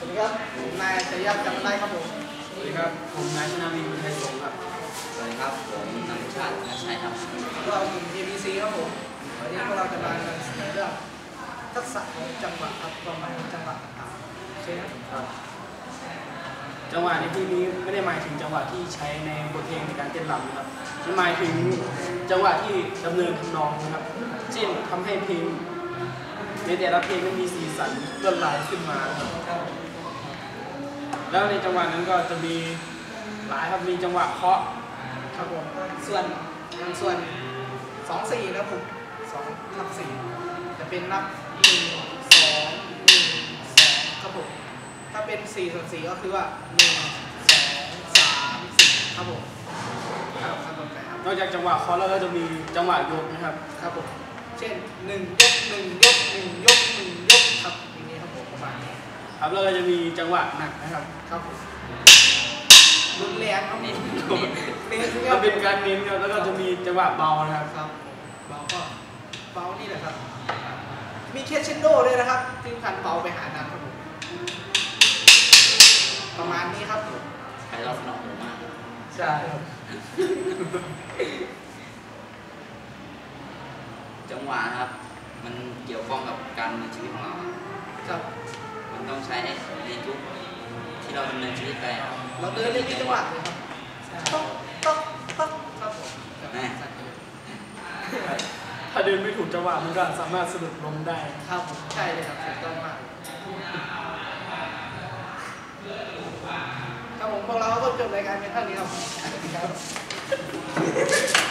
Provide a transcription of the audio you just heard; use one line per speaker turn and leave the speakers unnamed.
วัสดีครับผมนายชยจำได้ครับผม
สวัสดีครับผมนายชนาวีบุญไทยสงฆ์ครับ
สวัสดีครับผมนำชาตินักชัยครับ
เรากลุ่ม ABC ครับผมวันนี้พวกเราจะมานำเสนอเรื่องทักษะของจังหวะครับความหมายของจังหวะต่างๆใช่ไหมครับ
จังหวะในที่นี้ไม่ได้หมายถึงจังหวะที่ใช้ในบทเพลงในการเต้นรำนะครับมันหมายถึงจังหวะที่ดำเนินทำนองนะครับเช่นทำให้เพลงในแต่ละเพลงมันมีสีสันลวดลายขึ้นมาครับแล้วในจังหวะนั้นก็จะมีหลายครับมีจังหวะเคาะ
ครับผมส่วน2-4นะผม2/4จะเป็นนับ1-2-1-2ครับผมถ้าเป็น4/4ก็คือว่า1-2-3-4ครับผมครับ
นอกจากจังหวะเคาะแล้วก็จะมีจังหวะยกนะครับ
ครับผมเช่น1 ยก 1 ยก 1 ยก 1 ยกครับอย่างนี้ครับผมประมาณนี้
ครับแล้วก็จะมีจังหวะหนักนะครับ
ครับผมรุนแรงครับ
เน้น
มันเป็นการเน้นครับแล้วก็จะมีจังหวะเบานะครับ
ครับเบาก็เบานี่แหละครับมีเคสเชนโดด้วยนะครับที่คันเบาไปหานักครับผมประมาณนี้ครับผม
ใครเราสนองหูมาก
ใช่ครับ
จังหวะนะครับมันเกี่ยวข้องกับการดำเนินชีวิตของเรา
ครับ
มันต้องใช้ในทุกที่เราดำเนินชีวิตไปครับ
เราเดินได้มีจังหวะเลยครับต้องครับผม
ถ้าเดินไม่ถูกจังหวะมันก็สามารถสะดุดล้มได้
ครับผมใช่เลยครับถูกต้องมากครับผมพวกเราก็จบรายการเป็นเท่านี้ครับ